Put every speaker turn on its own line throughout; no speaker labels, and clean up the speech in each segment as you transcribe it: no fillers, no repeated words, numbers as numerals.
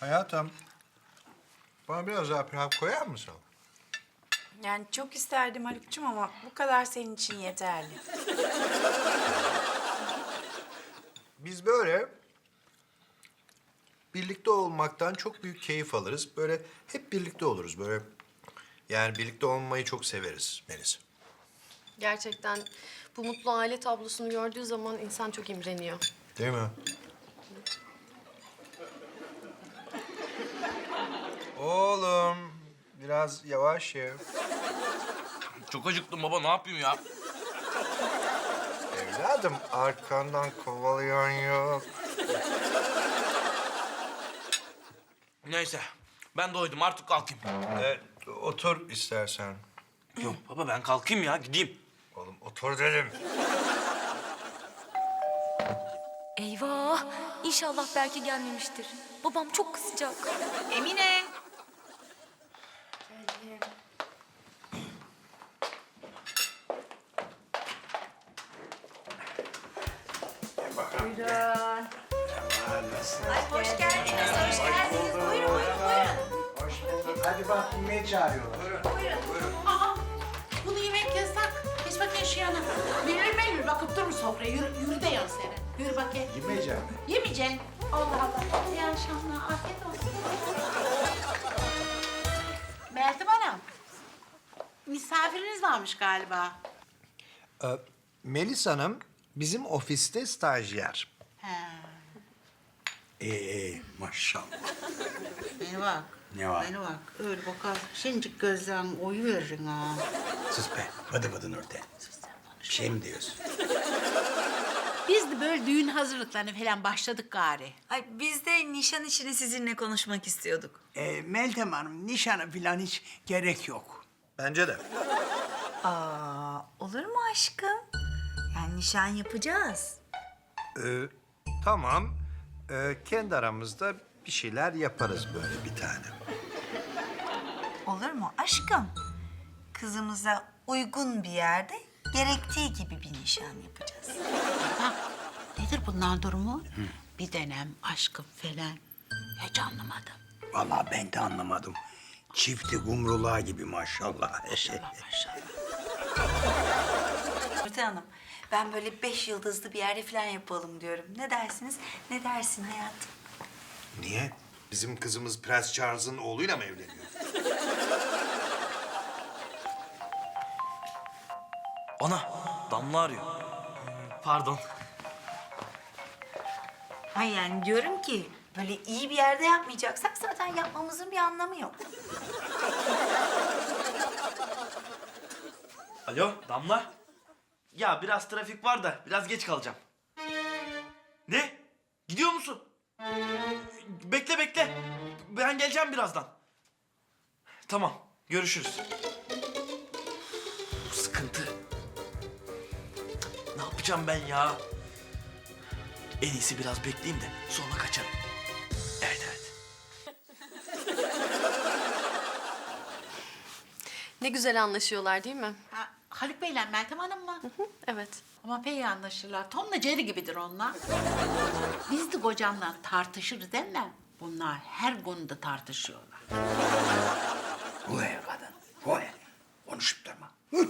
Hayatım, bana biraz daha pilav koyar mısın?
Yani çok isterdim Haluk'cum ama bu kadar senin için yeterli.
Biz böyle birlikte olmaktan çok büyük keyif alırız. Böyle hep birlikte oluruz. Böyle yani birlikte olmayı çok severiz Melis.
Gerçekten bu mutlu aile tablosunu gördüğü zaman insan çok imreniyor.
Değil mi? Oğlum, biraz yavaş ye.
Çok acıktım baba, ne yapayım ya?
Evladım, arkandan kovalayan yok.
Neyse, ben doydum artık kalkayım.
Otur istersen.
Yok baba, ben kalkayım ya, gideyim.
Oğlum otur dedim.
Eyvah! İnşallah belki gelmemiştir. Babam çok kızacak.
Emine. Buyurun. Ay hoş geldiniz, hoş geldiniz. Buyurun, buyurun.
Hoş bulduk. Hadi bak yemeğe çağırıyorlar.
Aa, bunu yemek yasak. Geç bakayım şu yana. Meyve bakıp durma sofraya. Yürü de yan seni. Yürü bakayım.
Yemeyeceğim.
Yemeyeceksin. Allah Allah. İyi akşamlar. Afiyet olsun. Meltem Hanım. Misafiriniz varmış galiba.
Melis Hanım bizim ofiste stajyer.
He.
Maşallah.
Beni bak.
Ne var?
Beni bak. Öyle bakar. Şimdicik gözlerin oyu verin ha.
Sus be. Vıdı vıdı Nurten. Bir şey mi diyorsun?
Biz de böyle düğün hazırlıklarına falan başladık gari.
Ay biz de nişan işini sizinle konuşmak istiyorduk.
Meltem Hanım, nişana falan hiç gerek yok.
Bence de.
Aa, olur mu aşkım? Yani nişan yapacağız.
Tamam. Kendi aramızda bir şeyler yaparız böyle bir tane.
Olur mu aşkım? Kızımıza uygun bir yerde gerektiği gibi bir nişan yapacağız.
Bak, nedir bunların durumu? Bir dönem aşkım falan. Hiç anlamadım.
Vallahi ben de anlamadım. Çifti gumruluğa gibi maşallah.
Maşallah.
Nurten Hanım, ben böyle 5 yıldızlı bir yerde falan yapalım diyorum. Ne dersiniz? Ne dersin hayatım?
Niye? Bizim kızımız Prens Charles'ın oğluyla mı evleniyor?
Ana, Damla arıyor. Pardon.
Ay yani diyorum ki böyle iyi bir yerde yapmayacaksak zaten yapmamızın bir anlamı yok.
Alo, Damla. Ya biraz trafik var da biraz geç kalacağım. Ne? Gidiyor musun? Bekle bekle. Ben geleceğim birazdan. Tamam, görüşürüz. Bu sıkıntı. Ne yapacağım ben ya? En iyisi biraz bekleyeyim de sonra kaçarım. Evet evet.
Ne güzel anlaşıyorlar değil mi?
Ha, Haluk Bey'le Meltem Hanım mı?
Evet.
Ama pek iyi anlaşırlar. Tom'la Jerry gibidir onlar. Biz de kocamla tartışırız değil mi? Bunlar her konuda tartışıyorlar.
Vay kadın. Vay. Konuşup durma.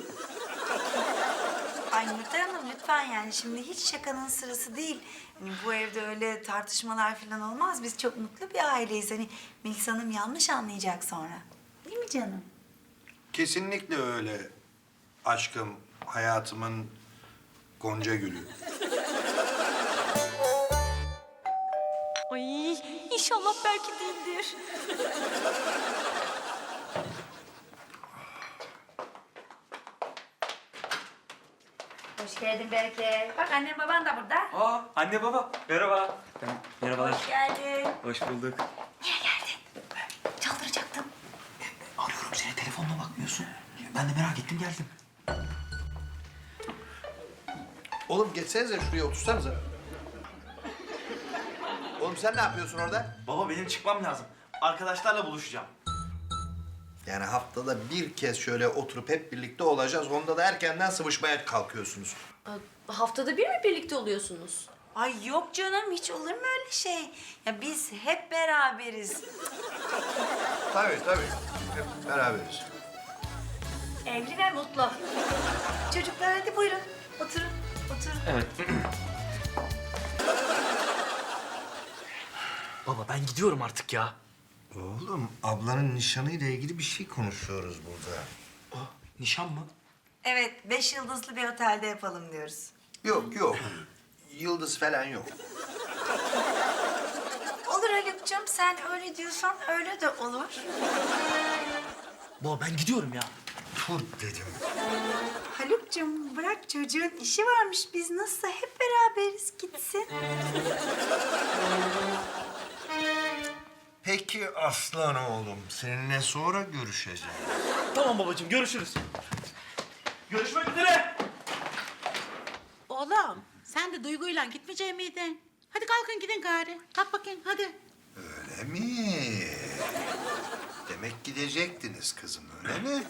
Ay Nurten Hanım lütfen yani şimdi hiç şakanın sırası değil. Hani bu evde öyle tartışmalar falan olmaz. Biz çok mutlu bir aileyiz. Hani Melis Hanım yanlış anlayacak sonra. Değil mi canım?
Kesinlikle öyle. Aşkım, hayatımın gonca gülü.
Ay inşallah belki değildir.
Hoş geldin Berke. Bak annem baban da burada.
Aa, anne baba. Merhaba. Merhabalar.
Hoş geldin.
Hoş bulduk.
Niye geldin? Çaldıracaktım.
Arıyorum seni, telefonuna bakmıyorsun. Ben de merak ettim, geldim.
Oğlum geçsenize şuraya otursanıza. Oğlum sen ne yapıyorsun orada?
Baba benim çıkmam lazım. Arkadaşlarla buluşacağım.
Yani haftada bir kez şöyle oturup hep birlikte olacağız. Onda da erkenden sıvışmaya kalkıyorsunuz.
Haftada bir mi birlikte oluyorsunuz?
Ay yok canım, hiç olur mu öyle şey? Ya biz hep beraberiz.
Tabii. Hep beraberiz.
Evli ve mutlu. Çocuklar hadi buyurun. Oturun.
Evet. Baba ben gidiyorum artık ya.
Oğlum, ablanın nişanıyla ilgili bir şey konuşuyoruz burada.
Nişan mı?
Evet, 5 yıldızlı bir otelde yapalım diyoruz.
Yok. Yıldız falan yok.
Olur Haluk'cum, sen öyle diyorsan öyle de olur.
Baba ben gidiyorum ya.
Dur dedim.
Haluk'cum bırak, çocuğun işi varmış. Biz nasılsa hep beraberiz, gitsin.
Peki aslan oğlum, seninle sonra görüşeceğim.
Tamam babacığım, görüşürüz. Görüşmek üzere.
Oğlum sen de Duygu'yla gitmeyecek miydin? Hadi kalkın gidin gari. Kalk bakayım hadi.
Öyle mi? Demek gidecektiniz kızım, öyle mi?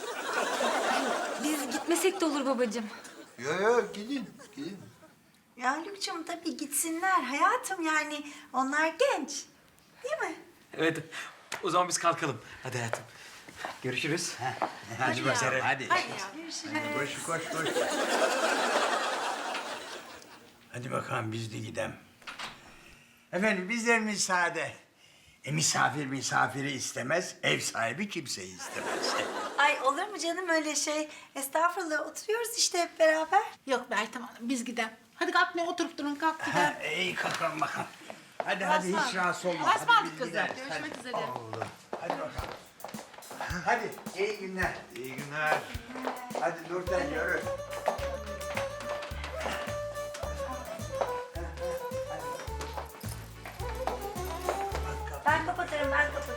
Biz gitmesek de olur babacığım.
Yok, gidin.
Ya Haluk'cum tabii gitsinler hayatım, yani onlar genç. Değil mi?
Evet. O zaman biz kalkalım. Hadi hayatım. Görüşürüz.
Hadi bakalım hadi. Koş. Hadi bakalım biz de gidelim. Efendim bizler müsaade. Misafir misafiri istemez, ev sahibi kimseyi istemez.
Ay olur mu canım öyle şey? Estağfurullah, oturuyoruz işte hep beraber.
Yok Meltem Hanım biz gidelim. Hadi kalkmayın oturup durun kalk gidelim.
Ha, iyi kalkalım bakalım. Hadi hiç rahatsız olma.
Basma
Hadi
aldık
biz
kızım.
gideriz.
Görüşmek üzere.
Hadi bakalım. Hadi iyi günler.
İyi günler.
Hadi Nurten yürü.
Ben kapatırım.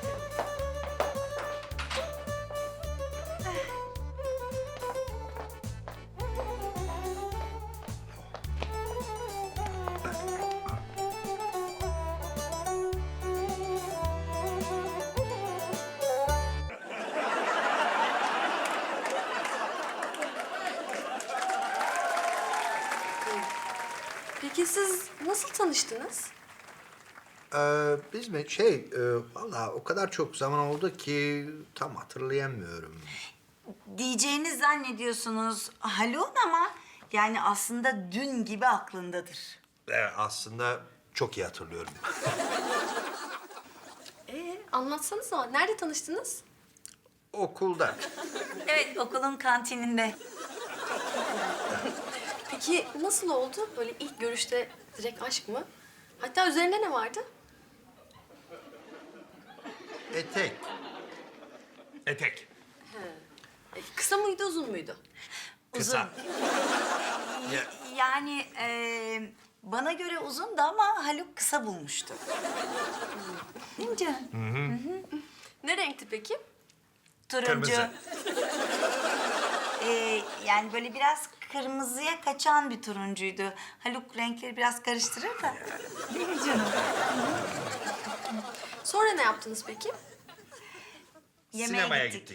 Peki siz nasıl tanıştınız?
Biz mi? Vallahi o kadar çok zaman oldu ki tam hatırlayamıyorum.
Diyeceğini zannediyorsunuz Haluk'un ama yani aslında dün gibi aklındadır.
Aslında çok iyi hatırlıyorum.
Anlatsanıza. Nerede tanıştınız?
Okulda.
Evet, okulun kantininde.
Peki nasıl oldu? Böyle ilk görüşte direkt aşk mı? Hatta üzerinde ne vardı?
Etek.
Etek.
Kısa mıydı, uzun muydu?
Kısa.
Yani bana göre uzundu ama Haluk kısa bulmuştu. Değil mi canım?
Ne renkti peki?
Turuncu.
Kırmızı.
Yani böyle biraz kırmızıya kaçan bir turuncuydu. Haluk renkleri biraz karıştırır da. Değil mi canım?
Sonra ne yaptınız peki?
Yemeğe
Sinemaya gittik.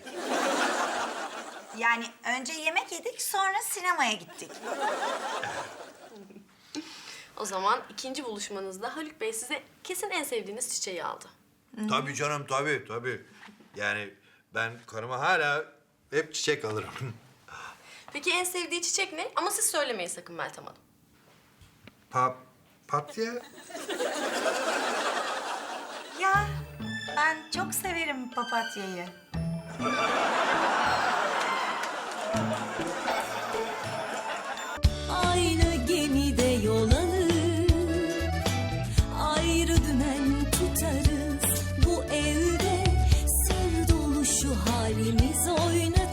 Yani önce yemek yedik, sonra sinemaya gittik.
O zaman ikinci buluşmanızda Haluk Bey size kesin en sevdiğiniz çiçeği aldı.
Tabii canım, tabii. Yani ben karıma hala hep çiçek alırım.
Peki en sevdiği çiçek ne? Ama siz söylemeyin sakın Meltem Hanım.
Papatya.
Ya ben çok severim papatyayı.
Aynı gemide yol alır, ayrı dümen tutarız. Bu evde sır dolu şu halimiz oynar.